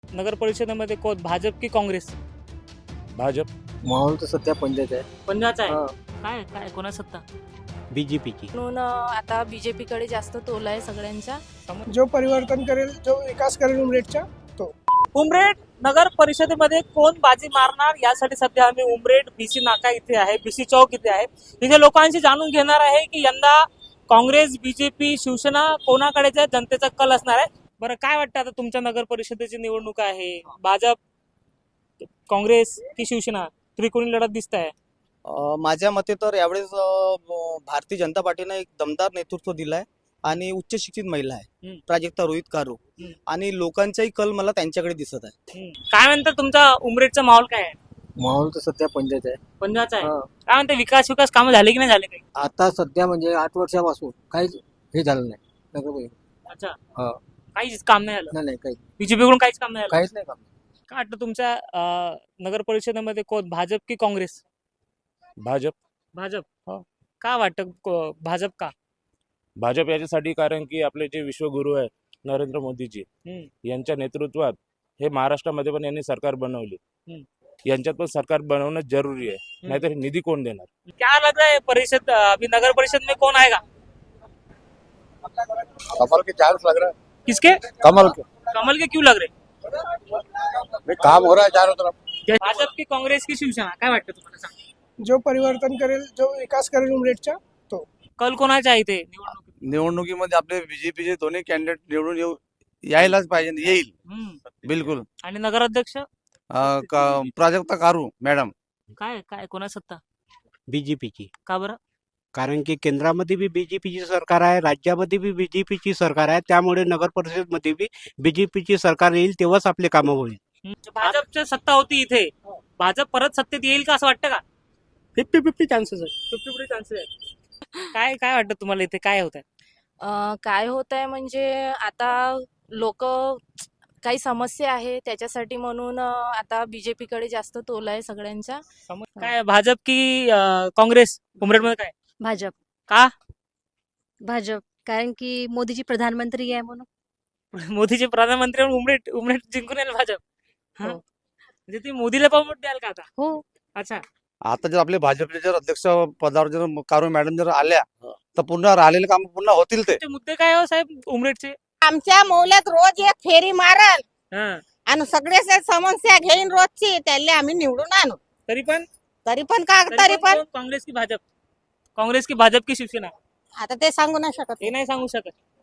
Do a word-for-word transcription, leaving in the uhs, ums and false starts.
नगर परिषदेमध्ये कोण, भाजप की काँग्रेस? भाजप. माहोल तर सध्या पंजाब आहे. पंजाबचा आहे. हा. काय काय कोणा सत्ता? बीजेपीची. म्हणून अ, आता बीजेपीकडे जास्त तोल आहे सगळ्यांचा. जो परिवर्तन करेल, जो विकास करेल उमरेडचा. उमरेड नगर परिषदेमध्ये कोण बाजी मारणार यासाठी सध्या आम्ही उमरेड बीसी नाका इथे आहे, बीसी चौक इथे आहे. इथे लोकांशी जाणून घेणार आहे की यंदा काँग्रेस, बीजेपी, शिवसेना कोणाकडेच आहे, जनतेचा कल असणार आहे. बरं, काय वाटतं आता तुमच्या नगर परिषदेची निवडणूक आहे, भाजप, काँग्रेस की शिवसेना, त्रिकोणी लढत दिसत आहे? अ, माझ्या मते तर यावेळेस अ, ब- भारतीय जनता पार्टीने एक दमदार नेतृत्व दिलंय आणि उच्च शिक्षित महिला आहे हम्म. प्राजक्ता रोहित कारू हम्म. आणि लोकांचाही कल मला त्यांच्याकडे दिसत आहे. काय म्हणतात तुमचा उमरेडचा माहोल काय आहे? माहोल तर सध्या पंजाब आहे. पंजाबचा आहे. हा. काय म्हणते, विकास विकास कामं झाले की नाही झाले काही? आता सध्या म्हणजे आठ वर्षापासून काहीच हे झालं नाही. नगर परिषद. अच्छा, हा. काहीच काम नाही झालं. नाही नाही काही बीजेपी कडून काहीच काम नाही झालं. काहीच नाही काम. काय वाटतं तुमच्या अं, नगर परिषदेमध्ये कोण, भाजप की काँग्रेस? भाजप. भाजप. हो. का वाटतं को- भाजप का? भाजप याच्यासाठी कारण की आपले जे विश्वगुरु आहे नरेंद्र मोदीजी हम्म. यांच्या नेतृत्वात हे महाराष्ट्रामध्ये पण यांनी सरकार बनवली. हम्म. यांच्यात पण सरकार बनवणं जरुरी आहे, नाहीतर निधी कोण देणार? क्या लग रहा है परिषद, अभी नगर परिषद में कौन आएगा? कमल के चांस लग रहा है. किसके? कमल के कमल के क्यों लग रहे? भाई काम हो रहा है चारों तरफ. भाजप की काँग्रेस की शिवसेना, काय वाटतं तुम्हाला? सांगा. जो परिवर्तन करेल, जो विकास करेल उमरेडचा. कल कोणाचा आहे इथे निवडणूक? निवडणुकीमध्ये आपले बीजेपीचे दोन्ही कॅन्डिडेट निवडून येऊ यायलाच पाहिजे, येईल हम्म. बिलकुल. आणि नगराध्यक्ष अं, का- प्राजक्ता कारू मॅडम. काय काय कोणा सत्ता? बीजेपीची. का बरं? कारण की केंद्रामध्ये बी बीजेपीची सरकार आहे, राज्यामध्ये बी बीजेपीची सरकार आहे, त्यामुळे नगर परिषदमध्ये बी बीजेपीची सरकार येईल तेव्हाच आपले कामं होईल. हम्म. भाजपची सत्ता होती इथे, भाजप परत सत्तेत येईल का असं वाटतं का? फिफ्टी फिफ्टी चान्सेस आहे. फिफ्टी फिफ्टी चान्सेस आहे. काय काय वाटतं तुम्हाला इथे काय होत आहे? अ, काय होत आहे म्हणजे आता लोक काही समस्या आहे त्याच्यासाठी म्हणून अ, आता बीजेपीकडे जास्त तोल आहे सगळ्यांचा. काय भाजप की अं, काँग्रेस उमरेडमध्ये काय? भाजप. का? भाजप कारण की मोदीजी प्रधानमंत्री आहे म्हणून. मोदीचे प्रधानमंत्री म्हणून उमरेड उमरेड जिंकून येईल भाजप. हा? हो. म्हणजे ती मोदीला पण वोट द्याल का आता? हो. अच्छा. आता जर आपले भाजपचे जर अध्यक्ष पदावर जर कारू मॅडम जर आल्या तर पुन्हा राहिलेले काम पुन्हा होतील. ते ते मुद्दे काय हो साहेब उमरेडचे? आमच्या मौल्यात रोज एक फेरी मारल हा. आणि सगळे समस्या घेईन रोजची, त्याला आम्ही निवडून आणू. तरी पण तरी पण का तरी पण कोण? काँग्रेस की भाजप? काँग्रेस की भाजप की शिवसेना, आता ते सांगू नाही शकत. हे नाही सांगू शकत.